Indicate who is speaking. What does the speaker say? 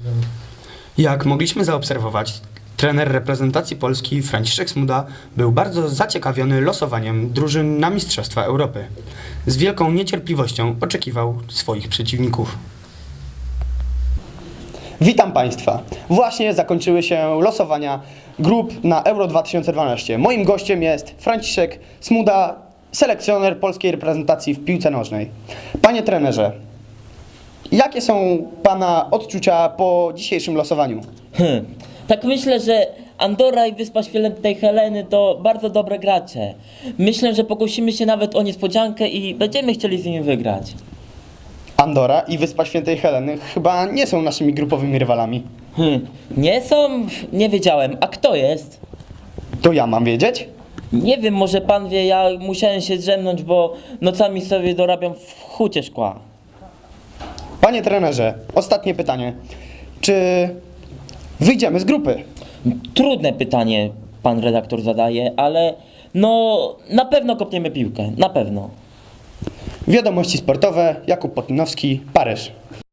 Speaker 1: Jak mogliśmy zaobserwować, trener reprezentacji Polski Franciszek Smuda był bardzo zaciekawiony losowaniem drużyn na Mistrzostwa Europy. Z wielką niecierpliwością oczekiwał swoich przeciwników.
Speaker 2: Witam Państwa. Właśnie zakończyły się losowania grup na Euro 2012. Moim gościem jest Franciszek Smuda, selekcjoner polskiej reprezentacji w piłce nożnej. Panie trenerze, jakie są Pana odczucia po dzisiejszym losowaniu?
Speaker 3: Tak myślę, że Andorra i Wyspa Świętej Heleny to bardzo dobre gracze. Myślę, że pokusimy się nawet o niespodziankę i będziemy chcieli z nimi wygrać.
Speaker 2: Andorra i Wyspa Świętej Heleny chyba nie są naszymi grupowymi rywalami.
Speaker 3: Nie są? Nie wiedziałem. A kto jest?
Speaker 2: To ja mam wiedzieć?
Speaker 3: Nie wiem, może pan wie, ja musiałem się drzemnąć, bo nocami sobie dorabiam w hucie szkła.
Speaker 2: Panie trenerze, ostatnie pytanie. Czy wyjdziemy z grupy?
Speaker 3: Trudne pytanie pan redaktor zadaje, ale no na pewno kopniemy piłkę, na pewno.
Speaker 2: Wiadomości sportowe, Jakub Potynowski, Paryż.